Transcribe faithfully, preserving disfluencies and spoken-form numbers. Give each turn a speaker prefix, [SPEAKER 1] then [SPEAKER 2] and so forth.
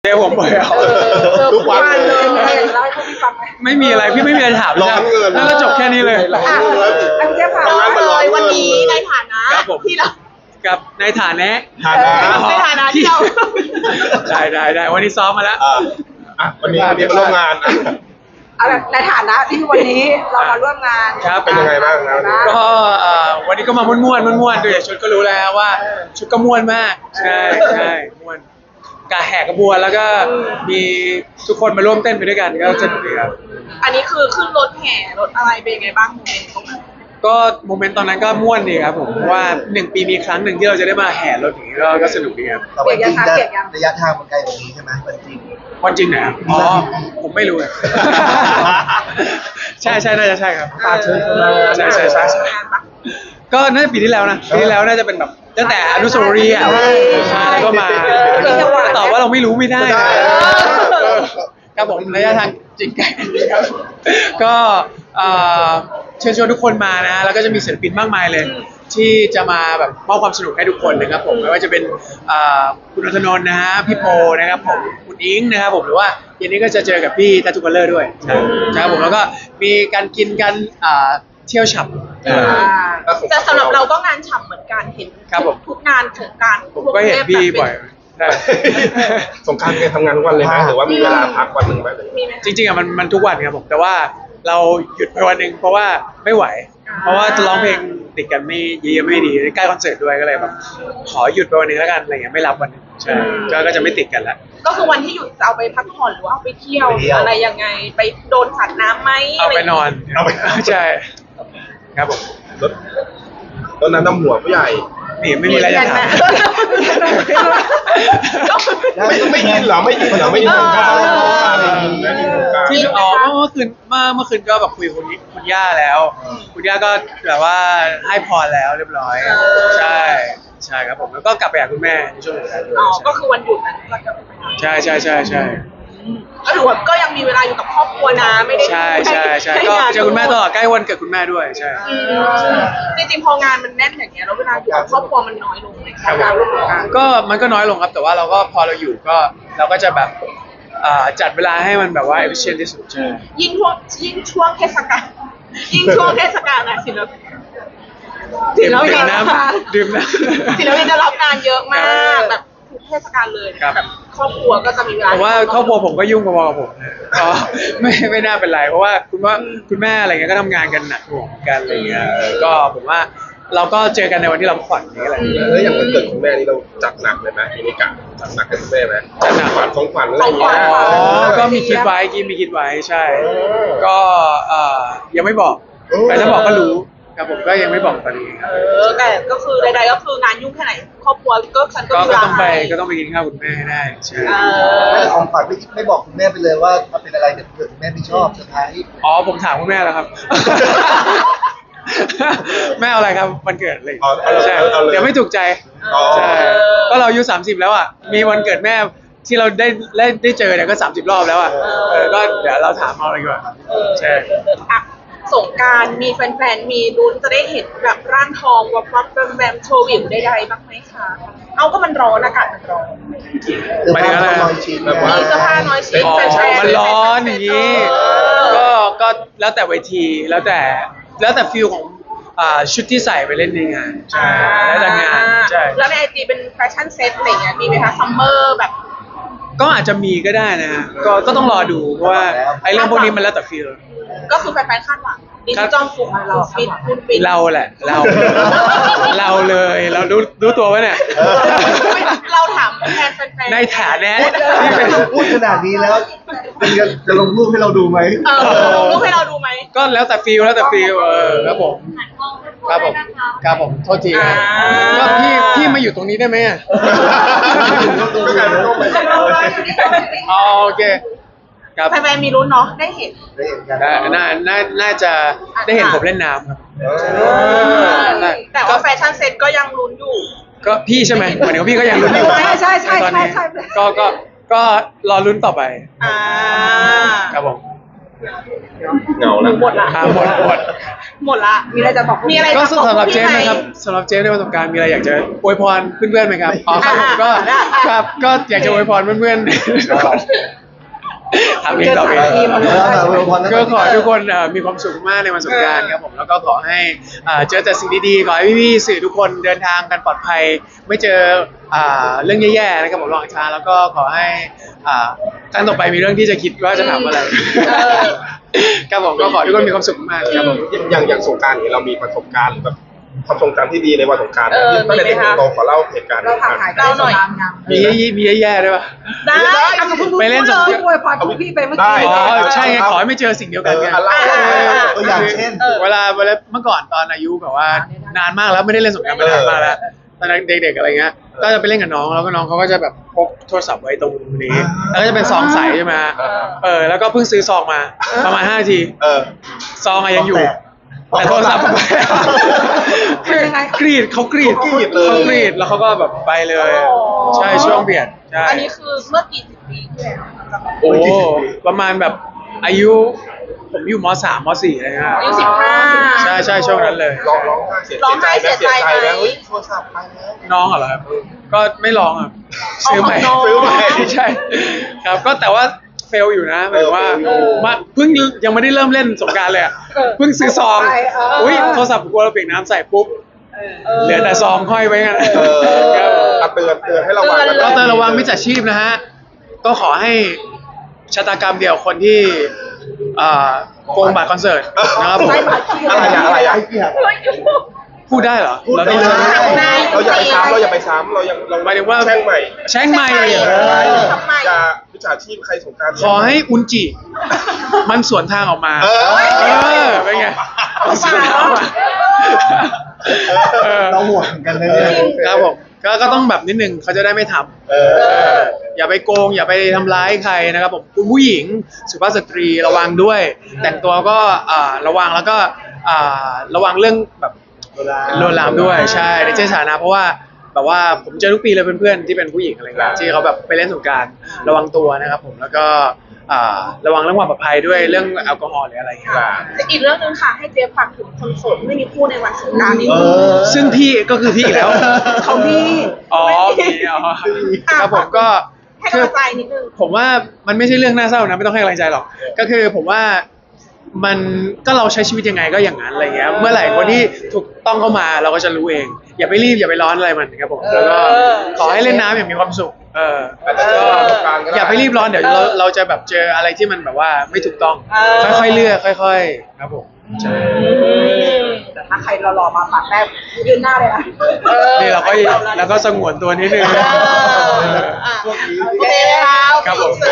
[SPEAKER 1] เดี๋ยวผมไปเอา
[SPEAKER 2] ทุกวันเลยมีอะไรอยากจะเล่าให้พวกพี่ฟังไหม
[SPEAKER 1] ไม่มีอะไรพี่ไม่มีอะไรถาม
[SPEAKER 3] ร้อนเงิน
[SPEAKER 1] แล้วก็จบแค่นี้เลย
[SPEAKER 2] อ่ะอันเจ๊พา
[SPEAKER 3] ทำงานมาร้อน
[SPEAKER 2] เลย
[SPEAKER 3] เงิน
[SPEAKER 2] วันนี้ในฐานะครับ
[SPEAKER 1] ผม
[SPEAKER 2] ที่เรา
[SPEAKER 1] กับในฐานะ
[SPEAKER 3] ฐานะ
[SPEAKER 2] ในฐานะที่เรา
[SPEAKER 1] ได้ได้ได้วันนี้ซ้อมมาแล้ว
[SPEAKER 3] อ่ะอ่ะวันนี้วันนี้มาร่วมงานอ่ะ
[SPEAKER 2] เอาแบบในฐานะที่วันนี้เรามาร่วมงาน
[SPEAKER 1] ครับ
[SPEAKER 3] เป็นยังไงบ้างนะวันนี้
[SPEAKER 1] ก็เอ่อวันนี้ก็มาม่วนๆม่วนๆดูจากชุดก็รู้แล้วว่าชุดก็ม่วนมากใช่ใช่ม่วนกาแหกกระบวนแล้วก็มีทุกคนมาร่วมเต้นไปด้วยกันก็สนุกดีครับ
[SPEAKER 2] อันนี้คือขึ้นรถแห่รถอะไรเป็นยังไงบ้างโมเมนต์ตรงนั้น
[SPEAKER 1] ก็โมเมนต์ตอนนั้นก็ม่วนดีครับผมเพราะว่าหนึ่งปีมีครั้งหนึ่งที่เราจะได้มาแห่รถอย่างนี้ก็ก็สนุกดีครับ
[SPEAKER 4] แต่วันจริงจะระยะทางมันไกลกว่านี้ใช่ไหมวันจริง
[SPEAKER 1] วันจริงไหนครับอ๋อผมไม่รู้อะ ใช่ใช่น่าจะใช่ครับ
[SPEAKER 4] อ่าเชิญชมมา
[SPEAKER 1] ใช่ใช่ใช่ใช่
[SPEAKER 2] งานปะ
[SPEAKER 1] ก็น่าจะปีที่แล้วนะปีที่แล้วน่าจะเป็นแบบตั้งแต่อนุสาวรีย์อ่ะใช่แล้วก็มาตอบว่าเราไม่รู้ไม่ได้นะเออครับผมระยะทางจริงไกลครับก็เอ่อเชิญชวนทุกคนมานะแล้วก็จะมีศิลปินมากมายเลย ที่จะมาแบบมอบความสนุกให้ทุกคนนะครับผมไม่ว่าจะเป็นเอ่อคุณอัธนนท์นะฮะพี่โปนะครับผมคุณอิงนะครับผมหรือว่าเย็นนี้ก็จะเจอกับพี่ตาตุกัลเลอร์ด้วยใช่ครับผมแล้วก็มีการกินกันเอ่อเที่ยวฉับ
[SPEAKER 2] อ่าแต่สำหรับเราก็งานฉ่ำเหมือนกันเห็น
[SPEAKER 1] ครับผม
[SPEAKER 2] ทุกงานของการ
[SPEAKER 1] ผมก็เห็นพี่บ่อยใช่
[SPEAKER 3] สงกรารเนี่ยทำงานทุกวันเลยไหมหรือว่ามีเวลาพักวันหนึ่งไหม
[SPEAKER 2] มีไหม
[SPEAKER 1] จริงๆอ่ะมันมันทุกวันครับผมแต่ว่าเราหยุดไปวันหนึ่งเพราะว่าไม่ไหว เพราะว่าจะร้องเพลงติดกันไม่เยอะไม่ดีใกล้คอนเสิร์ตด้วยก็เลยแบบขอหยุดไปวันหนึงแล้วกันอะไรเงี้ยไม่รับวันหนึงใช่ก็ก็จะไม่ติดกันละ
[SPEAKER 2] ก็คือวันที่หยุดจะเอาไปพักผ่อนหรือว่าเอาไปเที่ยวหรืออะไรยังไงไปโดนสัตว์น้ำไหม
[SPEAKER 1] เอาไปนอน
[SPEAKER 3] เอาไป
[SPEAKER 1] ใช่ครับผม
[SPEAKER 3] รถรถนั้นน้ำหัวผู้ใหญ่
[SPEAKER 1] นี่ไม่มีอะไรจะถาม
[SPEAKER 3] ไม่ไม่ยินเหรอไม่ยินเหรอไม่ยินสงกรารไม่ยินไม่ยินสงกราร
[SPEAKER 1] ที่อ๋อเมื่อคืนเมื่อเมื่อคืนก็แบบคุยกับคุณคุณย่าแล้ว คุณย่าก็แบบว่าให้พรแล้วเรียบร้อย ใช่ใช่ครับผมแล้วก็กลับไปหาคุณแม่ในช่วงสุดท้ายด้วย
[SPEAKER 2] อ๋อก็คือวันหยุดนั้นก็จะไปหา
[SPEAKER 1] ใช่ใช่ใช่ใช่
[SPEAKER 2] ก็ถือว่าก็ยังมีเวลาอยู่กับครอบครัวนะไม่ได้
[SPEAKER 1] ใช่ใช่ใช่ก็เจอคุณแม่ตลอดใกล้วันเกิดคุณแม่ด้วยใช่
[SPEAKER 2] อืมจริงๆพองานมันแน่นอย่างเงี้ยแล้วเวลาอยู่กับครอบครัวมันน้อยลงในการร่วมงาน
[SPEAKER 1] ก็มันก็น้อยลงครับแต่ว่าเราก็พอเราอยู่ก็เราก็จะแบบอ่าจัดเวลาให้มันแบบว่า efficient ที่สุดใช่
[SPEAKER 2] ยิ่งช่วงยิ่งช่วงเทศกาลยิ่งช่วงเทศกาลนะศิลปินศิ
[SPEAKER 1] ดื่ม
[SPEAKER 2] ลปิ
[SPEAKER 1] ดื่
[SPEAKER 2] น
[SPEAKER 1] มน้ำดื่มน้
[SPEAKER 2] ศิลปินจะรับงานเยอะมากแบบทุกเทศกาลเลย
[SPEAKER 1] ครับ
[SPEAKER 2] แบบครอบครัวก็จะมีเวลา
[SPEAKER 1] ำผมว่าครอบครัวผมก็ยุ่งพอๆกับผมนะก็ไม่ไม่น่าเป็นไรเพราะว่าคุณว่าคุณแม่อะไรเงี้ยก็ทำงานกันหนักหน่วงกันอะไรเงี้ยเออก็ผมว่าเราก็เจอกันในวันที่เราพักผ่อนนี้แหละ
[SPEAKER 3] แล้วอย่างวันเกิดคุณแม่นี่เราจัดหนักเลยไหมมินิกะจัดหนักให้คุณแม่ไหม
[SPEAKER 1] จัดหนัก
[SPEAKER 3] ขวัญของขวัญอะไรอย่างเงี้ย
[SPEAKER 1] อ๋อก็มีคิดไว้กินมีคิดไว้ใช่ ก็เอ่อยังไม่บอกแต่ถ้าบอกก็รู้ครับผมก็ยังไม่บอกตอนนี้ครับ
[SPEAKER 2] เออแต่ก็คือใดๆก็คืองานยุ่งแค่ไหนครอบครัวก็ฉันก็
[SPEAKER 1] ก็
[SPEAKER 2] มีเว
[SPEAKER 1] ก็
[SPEAKER 2] ลา
[SPEAKER 1] ต้องไป
[SPEAKER 2] ให้
[SPEAKER 1] ก็ต้องไปกินข้าวคุณแม่ให้ได้ใช่
[SPEAKER 2] เอ
[SPEAKER 4] ไม่
[SPEAKER 2] อ
[SPEAKER 4] ของขวัญไม่ไม่บอกคุณแม่ไปเลยว่าเอาเป็นอะไรเดี๋ยวเกิดคุณแม่ไม่ชอบเซอร์ไพรส์
[SPEAKER 1] อ๋อผมถามคุณแม่แล้วครับ แม่เอาอะไรครับวันเกิดอะไร
[SPEAKER 3] เอาเอาเลย
[SPEAKER 1] ใช่
[SPEAKER 3] เอาเลย
[SPEAKER 1] เดี๋ยวไม่ถูกใจ
[SPEAKER 3] อ๋อ
[SPEAKER 1] ใช่ก็เราอายุสามสิบแล้วอ่ะมีวันเกิดแม่ที่เราได้ได้ได้เจอเนี่ยก็สามสิบรอบแล้วอ่ะเออก็เดี๋ยวเราถามเอาอะไรดีกว่าใช่
[SPEAKER 2] อ่ะสงกรารมีแฟนๆมีลุ้นจะได้เห็นแบบร่างทองวับวับแวมแวมโชว์วิวใดๆบ้างไหมคะเอาก็มันร้อนอากาศมันร้อน
[SPEAKER 4] เสื้อผ้าต้องลอยชิ้น
[SPEAKER 3] แบบว่า
[SPEAKER 2] มีเสื้อผ้าน้อยชิ้น
[SPEAKER 1] อ๋อ
[SPEAKER 2] แฟนๆ
[SPEAKER 1] มันร้อนอย่างนี้
[SPEAKER 2] เอ
[SPEAKER 1] ก็
[SPEAKER 2] อ
[SPEAKER 1] ก็แล้วแต่เวทีแล้วแต่แล้วแต่ฟิลของอ่าชุดที่ใส่ไปเล่นในงานใช่แล้วแต่งานใช่
[SPEAKER 2] แล้วในไอจีเป็นแฟชั่นเซ็ตอะไรเงี้ยมีไหมคะซัมเมอร์แบบ
[SPEAKER 1] ก็อาจจะมีก็ได้นะฮะก็ก็ต้องรอดูเพราะว่าไอ้เรื่องพวกนี้มันแล้วแต่ฟิล
[SPEAKER 2] ก็คือแฟนๆคาดหวังดิจิตอลฟุกเราฟิตคุณฟิต
[SPEAKER 1] เราแหละเรา เราเลยเรารู้รู้ตัวไว้เนี่ย
[SPEAKER 2] เราถามแทนแฟนๆ
[SPEAKER 1] ในฐานะที่เป็น
[SPEAKER 4] พูดขนาดนี้แล้วคุณจะจะลงรูปให้เราดูไหม
[SPEAKER 2] เออลงรูปให้เราดูไหม
[SPEAKER 1] ก็แล้วแต่ฟิลแล้วแต่ฟิลเออครับผมครับผมครับผมโทษทีนะก็พี่พี่มาอยู่ตรงนี้ได้ไหมอ่ะ
[SPEAKER 3] ก็กลายเป็นต้องไป
[SPEAKER 1] อ๋อโอเคครับ
[SPEAKER 2] แฟนๆมีลุ้นเนาะได้เห็น
[SPEAKER 4] ได้เห็นกัน
[SPEAKER 1] ได้น่าน่าน่าจะได้เห็นผมเล่นน้ำครับ ได้
[SPEAKER 2] แต่ว่าแฟชั่นเซ็ตก็ยังลุ้นอยู่
[SPEAKER 1] ก็พี่ใช่ไหมหมายถึงว่าพี่ก็ยังลุ้นอยู่
[SPEAKER 2] ใช่ใช่ใช่
[SPEAKER 1] ตอนนี้
[SPEAKER 2] ใช่ใช่
[SPEAKER 1] ก็ก็ก็รอลุ้นต่อไป
[SPEAKER 2] อ่า
[SPEAKER 1] ครับผม
[SPEAKER 3] เหงาแล้ว
[SPEAKER 2] หมดละ
[SPEAKER 1] อ่าหมดหมด
[SPEAKER 2] หมดละมีอะไรจะบอกมีอะไร
[SPEAKER 1] ก็
[SPEAKER 2] จะบอก
[SPEAKER 1] สำหรับเจฟ
[SPEAKER 2] พี่ไหม
[SPEAKER 1] นะครับสำหรับเจฟในประสบการณ์มีอะไรอยากจะอวยพรเพื่อนๆไหมครับอ๋อครับผมก็
[SPEAKER 2] อ่า
[SPEAKER 1] ครับก็อยากจะอวยพรเพื่อนๆถามเองตอบเอง
[SPEAKER 4] แล้วถามอวยพรนะ
[SPEAKER 1] ก็ขอให้ทุกคนเอ่อมีความสุขมากในวันสงกรานต์ครับผมแล้วก็ขอให้เอ่อเจอแต่สิ่งดีๆขอให้พี่ๆสื่อทุกคนเดินทางกันปลอดภัย ไม่เจออ่าเรื่องแย่ๆนะครับผมระหว่างทางแล้วก็ขอให้อ่าครั้งต่อไปมีเรื่องที่จะคิดว่าจะทำอะไรครับผมก็ขอให้ทุกคนมีความสุขมากครับผม
[SPEAKER 3] อย่างอย่างสงกรารนี้เรามีประสบการณ์หรือแบบความทรงจำที่ดีในวันสงกราร
[SPEAKER 2] เออ
[SPEAKER 3] ตั้งแต่
[SPEAKER 2] มี
[SPEAKER 3] เด็ก
[SPEAKER 2] ไหม
[SPEAKER 3] ถึ
[SPEAKER 2] คะ
[SPEAKER 3] งโตขอเล่าเหตุการณ์
[SPEAKER 5] เราผ่านหาย
[SPEAKER 2] เล่าหน่อย
[SPEAKER 1] มีมีแย่ๆด้วยป่ะ
[SPEAKER 2] ได้
[SPEAKER 5] เอากับคุณ
[SPEAKER 1] ไปเล่นสงกรานต์
[SPEAKER 5] พี่อวยพรของพี่ไปเมื่อ
[SPEAKER 3] ได้
[SPEAKER 5] กี้
[SPEAKER 1] อ๋อใช่ไงขอให้ไม่เจอสิ่งเดียว
[SPEAKER 3] เอ
[SPEAKER 1] กัน
[SPEAKER 3] อ
[SPEAKER 1] ไง
[SPEAKER 3] อะไร
[SPEAKER 4] ตัวอย่างเช่น
[SPEAKER 1] เวลาเวลาเมื่อก่อนตอนอายุแบบว่านานมากแล้วไม่ได้เล่นสงกรานต์มานานมากแล้วตอนนั้นเด็กๆอะไรเงี้ยก็จะไปเล่นกับน้องแล้วก็น้องเขาก็จะแบบพกโทรศัพท์ไว้ตรงนี้แล้วก็จะเป็นซองใสใช่ไหมเออแล้วก็เพิ่งซื้อซองมาประมาณห้านาที
[SPEAKER 3] เออ
[SPEAKER 1] ซองอะยังอยู่ แต่โทรศัพท์ไปคือกรีดเขากรีด
[SPEAKER 3] เขากรีดเลย
[SPEAKER 1] เขากรีดแล้วเขาก็แบบไปเลย ใช่ช่วงเบียดใช่
[SPEAKER 2] อันนี้คือเมื่อกี่สิบปีที่แล้ว
[SPEAKER 1] โอ้ประมาณแบบอายุ ผมอยู่มสามมสี่อะไรเงี้ย
[SPEAKER 2] อายุสิบห้า
[SPEAKER 1] ใช่ใช่ช่วงนั้นเลย
[SPEAKER 3] ร้องร้องไห้เสีย
[SPEAKER 2] ร้องไห้
[SPEAKER 3] ใจไหม
[SPEAKER 2] เสี
[SPEAKER 3] เสี
[SPEAKER 2] ย
[SPEAKER 3] ย
[SPEAKER 2] ใจ
[SPEAKER 3] ใจ
[SPEAKER 2] ไหม
[SPEAKER 3] ไหมเฮ้ยโทรศัพท์ไปแล้ว
[SPEAKER 1] น้องเหรอครับ ก็ไม่ร้องอ่ะ
[SPEAKER 2] เอา
[SPEAKER 1] ซื้อใหม่
[SPEAKER 2] ของน้อง
[SPEAKER 1] ซื้อใหม่ใช่ ครับก็แต่ว่าเฟลอยู่นะหมายถึงว่า
[SPEAKER 3] เออ
[SPEAKER 1] มาเพิ่งยังไม่ได้เริ่มเล่นสงกรารเลยอ่ะเพิ่งซื้อซอง
[SPEAKER 5] ไปเอออุ้
[SPEAKER 1] อุ้ยโทรศัพท์กลัวเราเปียกน้ำใส่ปุ๊บเหลือแต่ซองห้อยไว้กัน
[SPEAKER 3] เออเอาเตือนเตือนให้ระวังกัน
[SPEAKER 1] ก็เตือนระวังมิจฉาชีพนะฮะ ก็ขอให้ชะตากรรมเดียวคนที่อ่าโกงบัตรคอนเสิร์ตนะครับผม
[SPEAKER 3] อะไรอะอะไรอะ
[SPEAKER 1] พูดได้เหรอ
[SPEAKER 4] พูด
[SPEAKER 1] เรา
[SPEAKER 4] ได้
[SPEAKER 1] ต้อง
[SPEAKER 3] เราอย่าไปซ้ำเราอย่าไปซ้ำเรายังเรา
[SPEAKER 1] หมายถึงว่า
[SPEAKER 3] แช่งใหม่
[SPEAKER 1] แช่งไม่เลย
[SPEAKER 3] เอ
[SPEAKER 1] เหรอ
[SPEAKER 3] อ
[SPEAKER 2] ทำไม
[SPEAKER 3] อย่าวิชาชีพใครสงกราร
[SPEAKER 1] ขอให้อุนจิ มันสวนทางออกมา
[SPEAKER 3] เออ
[SPEAKER 1] เออเป็นไงมันสวนทางออกมาเออ
[SPEAKER 4] เราห่วงกันเลยเนี่ย
[SPEAKER 1] ครับผมก็ก็ต้องแบบนิดนึงเขาจะได้ไม่ทำ
[SPEAKER 3] เออ
[SPEAKER 1] อย่าไปโกง อย่าไปทำร้ายใครนะครับผมคุณผู้หญิงสุภาพสตรีระวังด้วย แต่งตัวก็อ่าระวังแล้วก็อ่าระวังเรื่องแบบลวนลามด้วยใช่ในเจสานะเพราะว่าแบบว่าผมเจอทุกปีเลยเพื่อนๆที่เป็นผู้หญิงอะไรเงี้ยที่เขาแบบไปเล่นสงกรานต์ระวังตัวนะครับผมแล้วก็อ่าระวังเรื่องความปลอดภัยด้วยเรื่องแอลกอฮอล์หรืออะไรเงี้ย
[SPEAKER 2] ค่ะอีกเรื่องหนึงค่ะ ให้เจฟฝากถึงคนโสดไม่มีคู่ในวันสงกรานต์นี้
[SPEAKER 4] เออ
[SPEAKER 1] ซึ่งพี่ก็คือพี่อีกแล้ว
[SPEAKER 2] เขามี
[SPEAKER 1] อ๋อมีอ๋อครับผมก็
[SPEAKER 2] ให้
[SPEAKER 1] คื
[SPEAKER 2] กำ
[SPEAKER 1] อ
[SPEAKER 2] ลังใจนิดนึง
[SPEAKER 1] ผมว่ามันไม่ใช่เรื่องน่าเศร้านะไม่ต้องให้กำลังใจหรอกก็คือผมว่ามันก็เราใช้ชีวิตยังไงก็อย่างนั้นอะไรเงี้ยเมื่อไหร่คนที่ถูกต้องเข้ามาเราก็จะรู้เอง อย่าไปรีบอย่าไปร้อนอะไรมันครับผมแล้วก็
[SPEAKER 2] เออ
[SPEAKER 1] ขอให้เล่นน้ำอย่างมีความสุขเออ
[SPEAKER 3] อาจจะเจอประสบการณ์ก็ด้
[SPEAKER 1] อย่าไปรีบร้อนเดี๋ยวเราเราจะแบบเจออะไรที่มันแบบว่าไม่ถูกต้อง
[SPEAKER 2] เออ
[SPEAKER 1] ค่อยๆเลือกค่อย ๆ ครับผมใช่
[SPEAKER 5] แต่ถ้าใครรอๆมาปัดแรกยืนหน้าเลยนะ
[SPEAKER 1] นี่เราก็เราก็สงวนตัวนิดนึง
[SPEAKER 2] เอออ่ะโอเคครับ
[SPEAKER 1] ครับผม
[SPEAKER 2] เสิ